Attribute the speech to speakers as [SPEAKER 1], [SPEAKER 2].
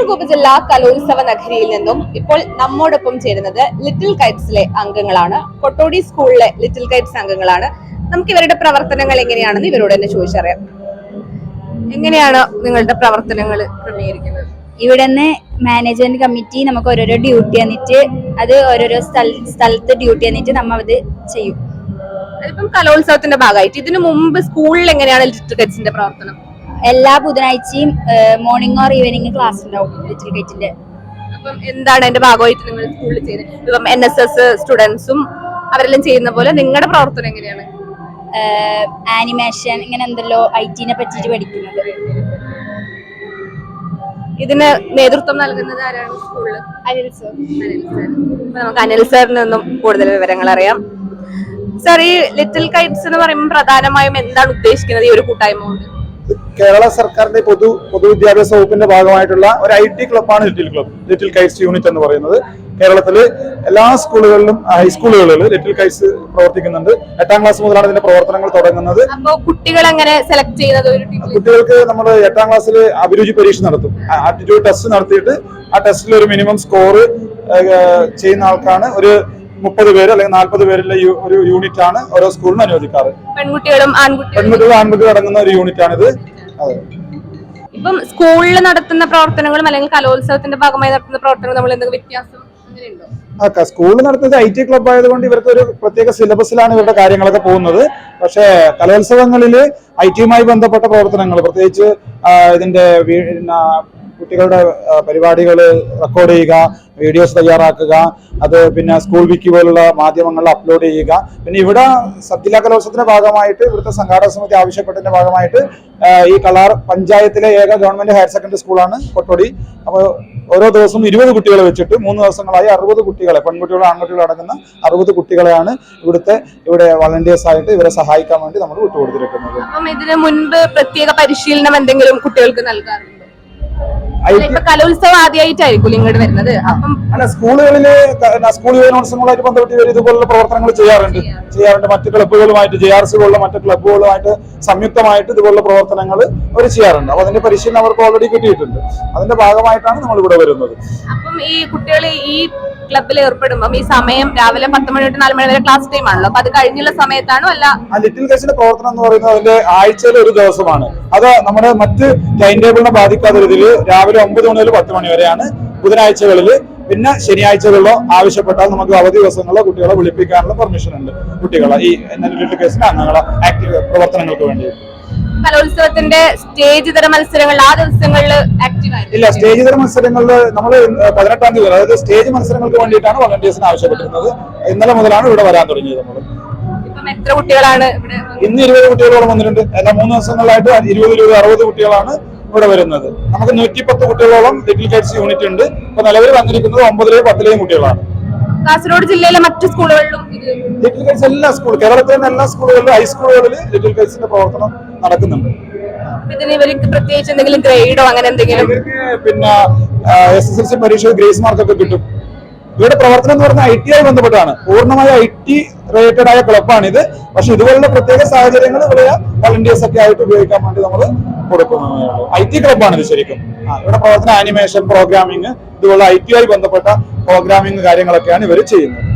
[SPEAKER 1] കാസർഗോഡ് ഉപജില്ലാ കലോത്സവ നഗരിയിൽ നിന്നും ഇപ്പോൾ നമ്മോടൊപ്പം ചേരുന്നത് ലിറ്റിൽ കൈറ്റ്സിലെ അംഗങ്ങളാണ്. കൊട്ടോടി സ്കൂളിലെ ലിറ്റിൽ കൈറ്റ്സ് അംഗങ്ങളാണ്. നമുക്ക് ഇവരുടെ പ്രവർത്തനങ്ങൾ എങ്ങനെയാണെന്ന് ഇവരോട് തന്നെ ചോദിച്ചറിയാം. എങ്ങനെയാണ് നിങ്ങളുടെ പ്രവർത്തനങ്ങൾ ക്രമീകരിക്കുന്നത്?
[SPEAKER 2] ഇവിടെ നിന്ന് മാനേജ്മെന്റ് കമ്മിറ്റി നമുക്ക് ഓരോരോ ഡ്യൂട്ടി തന്നിട്ട് അത് ഓരോരോ സ്ഥലത്ത് ഡ്യൂട്ടി തന്നിട്ട് നമ്മ അത് ചെയ്യും.
[SPEAKER 1] അതിപ്പം കലോത്സവത്തിന്റെ ഭാഗമായിട്ട് ഇതിനു മുമ്പ് സ്കൂളിൽ എങ്ങനെയാണ് ലിറ്റിൽ കൈറ്റ്സിന്റെ പ്രവർത്തനം?
[SPEAKER 2] എല്ലാ ബുധനാഴ്ചയും മോർണിംഗ് ഓർ ഈവനിങ് ക്ലാസ് ഉണ്ടാവും ലിറ്റിൽ കൈറ്റിന്റെ.
[SPEAKER 1] അപ്പം എന്താണ് അതിന്റെ ഭാഗമായിട്ട് നിങ്ങൾ സ്കൂളിൽ ചെയ്യുന്നത്? ഇപ്പം NSS സ്റ്റുഡൻസും അവരെല്ലാം ചെയ്യുന്ന പോലെ നിങ്ങളുടെ പ്രവർത്തനം എങ്ങനെയാണ്?
[SPEAKER 2] ആനിമേഷൻ ഇങ്ങനെ എന്തല്ലോ IT-നെ പറ്റിയിട്ട് പഠിക്കുന്നത്.
[SPEAKER 1] ഇതിന് നേതൃത്വം നൽകുന്നത് ആരാണ് സ്കൂളിൽ?
[SPEAKER 2] അനിൽ സർ.
[SPEAKER 1] അപ്പൊ നമുക്ക് അനിൽ സാറിൽ നിന്നും കൂടുതൽ വിവരങ്ങൾ അറിയാം. സാർ, ഈ ലിറ്റിൽ കൈറ്റ്സ് എന്ന് പറയുമ്പോൾ പ്രധാനമായും എന്താണ് ഉദ്ദേശിക്കുന്നത് ഈ ഒരു കൂട്ടായ്മ കൊണ്ട്?
[SPEAKER 3] കേരള സർക്കാരിന്റെ പൊതുവിദ്യാഭ്യാസ വകുപ്പിന്റെ ഭാഗമായിട്ടുള്ള ഒരു IT ക്ലബ്ബാണ് ലിറ്റിൽ കൈറ്റ്സ് യൂണിറ്റ് എന്ന് പറയുന്നത്. കേരളത്തില് എല്ലാ സ്കൂളുകളിലും ഹൈസ്കൂളുകളിലും ലിറ്റിൽ കൈറ്റ്സ് പ്രവർത്തിക്കുന്നുണ്ട്. 8ാം ക്ലാസ് മുതലാണ് ഇതിന്റെ പ്രവർത്തനങ്ങൾ തുടങ്ങുന്നത്.
[SPEAKER 1] അപ്പോൾ കുട്ടികൾ എങ്ങനെ സെലക്ട് ചെയ്യുന്നത്?
[SPEAKER 3] കുട്ടികൾക്ക് നമ്മൾ 8ാം ക്ലാസ്സിൽ അഭിരുചി പരീക്ഷ നടത്തും. ആപ്റ്റിറ്റ്യൂഡ് ടെസ്റ്റ് നടത്തിയിട്ട് ആ ടെസ്റ്റിൽ ഒരു മിനിമം സ്കോർ ചെയ്യുന്ന ആൾക്കാണ് ഒരു 30 പേര് അല്ലെങ്കിൽ 40 പേരുള്ള ഒരു യൂണിറ്റ് ആണ് ഓരോ സ്കൂളിനും അനുവദിക്കാറ്.
[SPEAKER 1] പെൺകുട്ടികളും
[SPEAKER 3] ആൺകുട്ടികളും അടങ്ങുന്ന ഒരു യൂണിറ്റ് ആണിത്.
[SPEAKER 1] ഇപ്പം സ്കൂളിൽ നടത്തുന്ന പ്രവർത്തനങ്ങളും അല്ലെങ്കിൽ കലോത്സവത്തിന്റെ ഭാഗമായി നടത്തുന്ന പ്രവർത്തനങ്ങളും നമ്മൾ എന്തെങ്കിലും വ്യത്യാസം അങ്ങനെയുണ്ടോ?
[SPEAKER 3] സ്കൂളിൽ നടത്തുന്നത് IT ക്ലബ്ബ് ആയതുകൊണ്ട് ഇവർക്ക് ഒരു പ്രത്യേക സിലബസിലാണ് ഇവരുടെ കാര്യങ്ങളൊക്കെ പോകുന്നത്. പക്ഷേ കലോത്സവങ്ങളിൽ IT-യുമായി ബന്ധപ്പെട്ട പ്രവർത്തനങ്ങൾ, പ്രത്യേകിച്ച് ഇതിന്റെ കുട്ടികളുടെ പരിപാടികൾ റെക്കോർഡ് ചെയ്യുക, വീഡിയോസ് തയ്യാറാക്കുക, അത് പിന്നെ സ്കൂൾ വിക്കി പോലുള്ള മാധ്യമങ്ങളിൽ അപ്ലോഡ് ചെയ്യുക. പിന്നെ ഇവിടെ സബ് ജില്ലാ കലോത്സവത്തിന്റെ ഭാഗമായിട്ട് ഇവിടുത്തെ സംഘാടക സമിതി ആവശ്യപ്പെട്ടതിന്റെ ഭാഗമായിട്ട് ഈ കളാർ പഞ്ചായത്തിലെ ഏക ഗവൺമെന്റ് ഹയർ സെക്കൻഡറി സ്കൂളാണ് കൊട്ടോടി. അപ്പോൾ ഓരോ ദിവസവും 20 കുട്ടികളെ വെച്ചിട്ട് 3 ദിവസങ്ങളായി 60 കുട്ടികളെ, പെൺകുട്ടികളും ആൺകുട്ടികളും അടങ്ങുന്ന 60 കുട്ടികളെയാണ് ഇവിടെ വളണ്ടിയേഴ്സ് ആയിട്ട് ഇവരെ സഹായിക്കാൻ വേണ്ടി നമ്മൾ വിട്ടുകൊടുത്തിരിക്കുന്നത്.
[SPEAKER 1] ഇതിന് മുൻപ് പ്രത്യേക പരിശീലനം എന്തെങ്കിലും കുട്ടികൾക്ക് നൽകാറുണ്ടോ? കലോത്സവം ആദ്യമായിട്ടായിരിക്കും ഇങ്ങോട്ട് വരുന്നത്.
[SPEAKER 3] അല്ല, സ്കൂളുകളില് സ്കൂൾ യുവജനോത്സവങ്ങളുമായിട്ട് ബന്ധപ്പെട്ട് ഇവർ ഇതുപോലുള്ള പ്രവർത്തനങ്ങൾ ചെയ്യാറുണ്ട്. മറ്റു ക്ലബ്ബുകളുമായിട്ട് JRC പോലുള്ള മറ്റു ക്ലബ്ബുകളുമായിട്ട് സംയുക്തമായിട്ട് ഇതുപോലുള്ള പ്രവർത്തനങ്ങൾ അവർ ചെയ്യാറുണ്ട്. അപ്പൊ അതിന്റെ പരിശീലനം അവർക്ക് ഓൾറെഡി കിട്ടിയിട്ടുണ്ട്. അതിന്റെ ഭാഗമായിട്ടാണ് നമ്മൾ ഇവിടെ വരുന്നത്.
[SPEAKER 1] അപ്പം ഈ കുട്ടികൾ ഈ ക്ലബ്ബിൽ ഏർപ്പെടുമ്പോൾ ഈ സമയം രാവിലെ 10 മണി തൊട്ട് 4 മണി വരെ ക്ലാസ് ടൈം ആണല്ലോ. അപ്പൊ അത് കഴിഞ്ഞുള്ള സമയത്താണോ? അല്ല,
[SPEAKER 3] ലിറ്റിൽ കൈറ്റ്സിന്റെ പ്രവർത്തനം എന്ന് പറയുന്നത് അതിന്റെ ആഴ്ചയിൽ ഒരു ദിവസമാണ്. അത് നമ്മുടെ മറ്റ് ടൈം ടേബിളിനെ ബാധിക്കാത്ത രീതിയിൽ രാവിലെ 9 മണി മുതൽ 10 മണി വരെയാണ് ബുധനാഴ്ചകളിൽ. പിന്നെ ശനിയാഴ്ചകളിലോ ആവശ്യപ്പെട്ടാൽ നമുക്ക് അവധി ദിവസങ്ങളിലോ കുട്ടികളെ വിളിപ്പിക്കാനുള്ള പെർമിഷൻ ഉണ്ട്. കുട്ടികളെ ഈ ലിറ്റിൽ കൈറ്റ്സിന്റെ അംഗങ്ങളെ ആക്റ്റീവ് പ്രവർത്തനങ്ങൾക്ക് വേണ്ടി.
[SPEAKER 1] കലോത്സവത്തിന്റെ സ്റ്റേജ് തര മത്സരങ്ങൾ ആ ദിവസങ്ങളിൽ
[SPEAKER 3] ഇല്ല. സ്റ്റേജ് തര മത്സരങ്ങളിൽ നമ്മൾ 18-ാം തീയതി, അതായത് സ്റ്റേജ് മത്സരങ്ങൾക്ക് വേണ്ടിയിട്ടാണ് വളണ്ടിയേഴ്സിനെ ആവശ്യപ്പെട്ടിരുന്നത്. ഇന്നലെ മുതലാണ് ഇവിടെ വരാൻ തുടങ്ങിയത്. നമ്മൾ
[SPEAKER 1] എത്ര കുട്ടികളാണ്?
[SPEAKER 3] ഇന്ന് 20 കുട്ടികളോളം വന്നിട്ടുണ്ട്. എല്ലാ 3 ദിവസങ്ങളിലായിട്ട് 20, 60 കുട്ടികളാണ് ഇവിടെ വരുന്നത്. നമുക്ക് 110 കുട്ടികളോളം ലിറ്റിൽ കൈറ്റ്സ് യൂണിറ്റ് ഉണ്ട്. ഇപ്പൊ നിലവിൽ വന്നിരിക്കുന്നത് 9-ലെയും 10-ലെയും കുട്ടികളാണ്.
[SPEAKER 1] കാസർഗോഡ് ജില്ലയിലെ മറ്റു സ്കൂളുകളിലും
[SPEAKER 3] ലിറ്റിൽ കൈറ്റ്സ് എല്ലാ കേരളത്തിലെ എല്ലാ സ്കൂളുകളിലും ഹൈസ്കൂളുകളിൽ ലിറ്റിൽ കൈറ്റ്സിന്റെ പ്രവർത്തനം നടക്കുന്നുണ്ട്.
[SPEAKER 1] ഇതിന് ഇവർക്ക് പ്രത്യേകിച്ച് എന്തെങ്കിലും ഗ്രേഡോ അങ്ങനെ എന്തെങ്കിലും?
[SPEAKER 3] പിന്നെ SSLC പരീക്ഷ ഗ്രേസ് മാർക്കൊക്കെ കിട്ടും. ഇവരുടെ പ്രവർത്തനം എന്ന് പറഞ്ഞാൽ IT-യായി ബന്ധപ്പെട്ടാണ്. പൂർണ്ണമായ IT റിലേറ്റഡ് ആയ ക്ലബ്ബാണിത്. പക്ഷെ ഇതുപോലുള്ള പ്രത്യേക സാഹചര്യങ്ങൾ ഇവിടെ വളണ്ടിയേഴ്സ് ഒക്കെ ആയിട്ട് ഉപയോഗിക്കാൻ വേണ്ടി നമ്മൾ കൊടുക്കുന്നത് IT ക്ലബ്ബാണ് ഇത് ശരിക്കും. ഇവിടെ പ്രവർത്തനം ആനിമേഷൻ, പ്രോഗ്രാമിംഗ്, ഇതുപോലുള്ള IT-യായി ബന്ധപ്പെട്ട പ്രോഗ്രാമിംഗ് കാര്യങ്ങളൊക്കെയാണ് ഇവർ ചെയ്യുന്നത്.